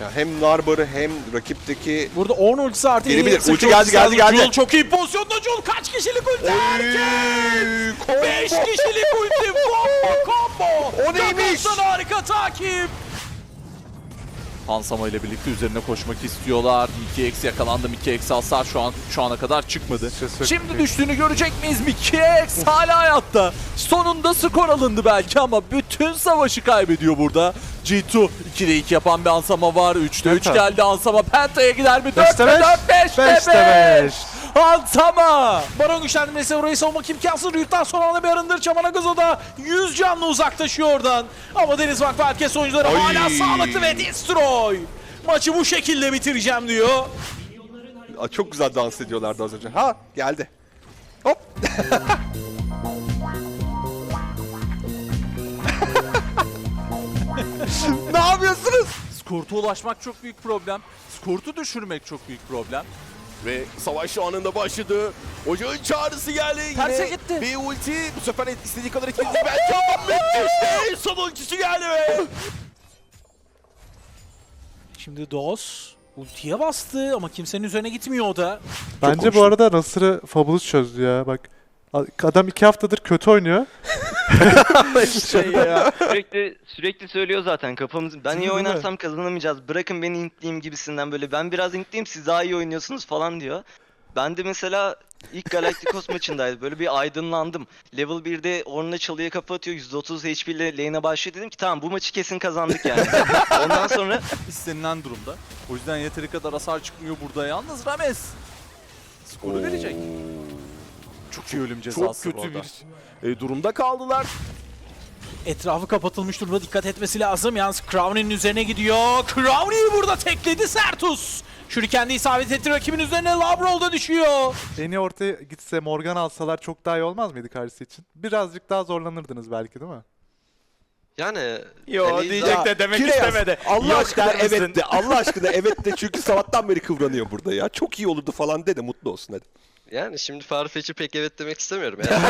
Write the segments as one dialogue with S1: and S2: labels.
S1: Ya hem Narbar'ı hem rakipteki
S2: Burada 10 ultisi artı
S1: gelebilir. Ulti geldi.
S2: Jul çok iyi pozisyonda. Jul kaç kişilik ulti erken? 5 kişilik ulti. Combo.
S1: O neymiş?
S2: Kakos'tan harika takip.
S3: Hansama ile birlikte üzerine koşmak istiyorlar. 2x yakalandı. 2x hasar şu ana kadar çıkmadı. Şimdi düştüğünü görecek miyiz? 2x hala hayatta. Sonunda skor alındı belki ama bütün savaşı kaybediyor burada. G2 2'de 2 yapan bir Hansama var. 3'te 3 geldi Hansama. Penta'ya gider mi? 4'te 4, 5'te 5. Hansama!
S2: Baron güçlendirmesi orayı savunmak imkansız. Ryut'tan son anda bir arındır. Çamanagazo da 100 canlı uzaklaşıyor oradan. Ama Deniz Vakfı herkes oyuncuları hala sağlıklı ve destroy. Maçı bu şekilde bitireceğim diyor.
S1: çok güzel dans ediyorlardı az önce. Ha geldi. Hop. Ne yapıyorsunuz?
S3: Skort'a ulaşmak çok büyük problem. Skort'u düşürmek çok büyük problem.
S4: Ve savaş şu anında başladı. Ocağın çağrısı geldi.
S2: Terse
S4: Yine
S2: gitti.
S4: bir ulti. Bu sefer istediği kadar etkili değil belki ama müthiş. Son ultisi geldi ve
S2: Şimdi Doz ultiye bastı ama kimsenin üzerine gitmiyor o da.
S5: Bence bu arada Nasır'ı Fabulous çözdü ya. Bak adam 2 haftadır kötü oynuyor.
S6: Sürekli söylüyor zaten kafamız. Ben iyi oynarsam kazanamayacağız. Bırakın beni intleyeyim gibisinden böyle. Ben biraz intleyeyim siz daha iyi oynuyorsunuz falan diyor. Ben de mesela ilk Galacticos maçındaydı. Böyle bir aydınlandım. Level 1'de Ornn'la çalıya kafa atıyor. %30 HP ile lane'e başlıyor. Dedim ki tamam bu maçı kesin kazandık yani. Ondan sonra
S3: İstenilen durumda. O yüzden yeteri kadar hasar çıkmıyor burada. Yalnız Rames skoru verecek. Çok iyi ölüm
S4: çok
S3: cezası
S4: kötü
S3: bu arada.
S4: bir durumda kaldılar.
S2: Etrafı kapatılmış durumda, dikkat etmesi lazım. Yalnız Crowny'nin üzerine gidiyor. Crowny'yi burada tekledi Sertus. Shuriken de isabet etti rakibin üzerine. Labrol da düşüyor.
S5: Eni ortaya gitse Morgan alsalar çok daha iyi olmaz mıydı karşısı için? Birazcık daha zorlanırdınız belki değil mi?
S7: Yani
S4: Yo diyecek de demek
S1: Kireas,
S4: istemedi.
S1: Allah
S4: Yok
S1: aşkına
S4: der misin?
S1: evet de. Allah aşkına evet de çünkü sabahtan beri kıvranıyor burada ya. Çok iyi olurdu falan de mutlu olsun hadi.
S7: yani şimdi Farfetch'i pek evet demek istemiyorum yani.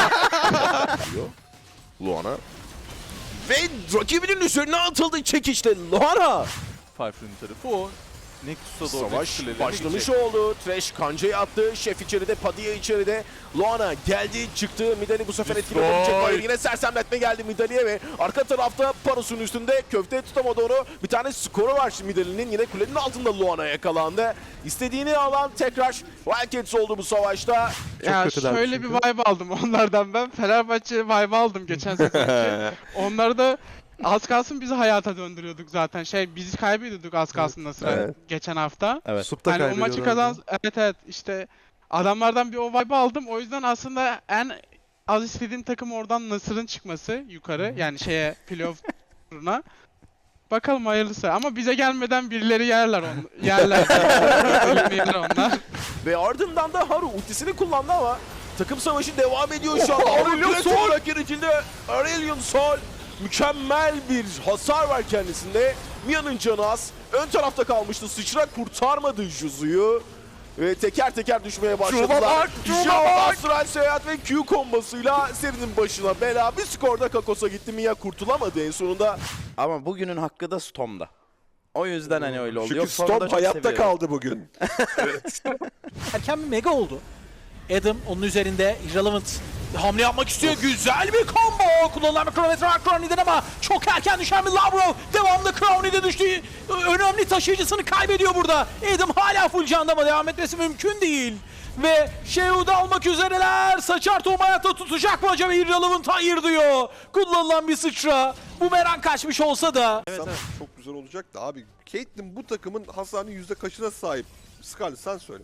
S4: Luana. Ve rakibinin üzerine atıldı çekişle Luana.
S3: Firefly'nin tarafı o. Nexus'a doğru
S4: Savaş
S3: kulelerine
S4: başlamış
S3: gidecek.
S4: oldu. Trash kancayı attı. Şef içeride, Padilla içeride. Luana geldi, çıktı. Midali bu sefer etkili olabilecek. Hayır, yine sersemletme geldi Midali'ye ve arka tarafta Paros'un üstünde köfte tutamadı onu. Bir tane skoru var şimdi Midali'nin. Yine kulenin altında Luana yakalandı. İstediğini alan tekrar Wildcats oldu bu savaşta.
S8: Ya
S5: kötüler
S8: şöyle
S5: çünkü.
S8: bir vibe aldım onlardan ben. Fenerbahçe vibe aldım geçen sezonki. Onlar da az kalsın bizi hayata döndürüyorduk zaten. Bizi kaybediyorduk az kalsın Nasır'a
S1: Evet.
S8: geçen hafta.
S5: Sup'ta
S8: Hani o maçı
S5: kaybediyorlardı.
S8: evet işte adamlardan bir o vibe aldım. O yüzden aslında en az istediğim takım oradan Nasır'ın çıkması yukarı. Yani playoff turuna. Bakalım hayırlısı. Ama bize gelmeden birileri yerler onu. Yerler. Ölüm onlar.
S4: Ve ardından da Haru ultisini kullandı ama takım savaşı devam ediyor şu anda. Aurelion Sol rakibinde Aurelion Sol mükemmel bir hasar var kendisinde. Mia'nın canı az. Ön tarafta kalmıştı. Sıçra kurtarmadı Juzu'yu. Ve teker teker düşmeye başladılar. Astral Seyahat ve Q kombosuyla serinin başına bela. Bir skorda Kakos'a gitti. Mia kurtulamadı en sonunda.
S9: Ama bugünün hakkı da Storm'da. O yüzden hani öyle oldu.
S1: Çünkü
S9: Yoksa onu da
S1: Storm
S9: çok
S1: hayatta
S9: seviyorum.
S1: kaldı bugün.
S2: Erken bir mega oldu. Adam onun üzerinde Irrelevant hamle yapmak istiyor. Güzel bir combo. Kullanılan bir kronometre var Crowny'den ama çok erken düşen bir Labrov. Devamlı Crowny'de düştüğü önemli taşıyıcısını kaybediyor burada. Adam hala full canda ama devam etmesi mümkün değil. Ve Sheu'da almak üzereler. Saçar Tom hayatta tutacak mı acaba? Irrelevant hayır diyor. Kullanılan bir sıçra. Bu merak kaçmış olsa da.
S1: Çok güzel olacak da abi. Caitlyn bu takımın hasarının yüzde kaçına sahip? Scarlett sen söyle.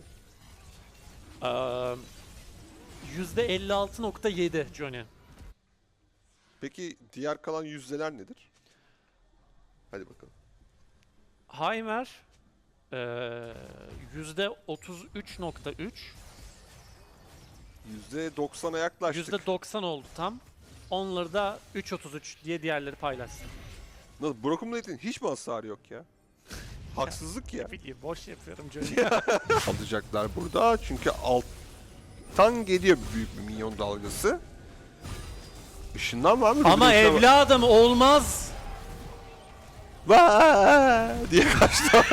S10: %56.7 Johnny.
S1: Peki diğer kalan yüzdeler nedir? Hadi bakalım.
S10: Heimer %33.3.
S1: %90'a yaklaştık.
S10: %90 oldu tam. Onları da 3.33 diye diğerleri paylaşsın.
S1: Nasıl? Broken Blade'in hiç mi hasarı yok ya? Haksızlık ya.
S10: Bileyim boş yapıyorum Johnny.
S1: Alacaklar burada çünkü alttan geliyor büyük bir minyon dalgası. Işınlan var mı?
S10: Ama
S1: Rubileş'e var.
S10: evladım olmaz.
S1: Vaa diye kaçtı.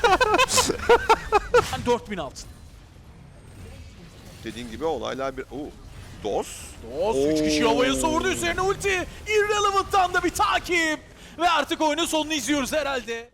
S2: 4000 altın.
S1: Dediğin gibi olaylar bir... Dos.
S2: Dost 3 kişi havaya savurdu, üzerine ulti. Irrelevant'tan da bir takip. Ve artık oyunun sonunu izliyoruz herhalde.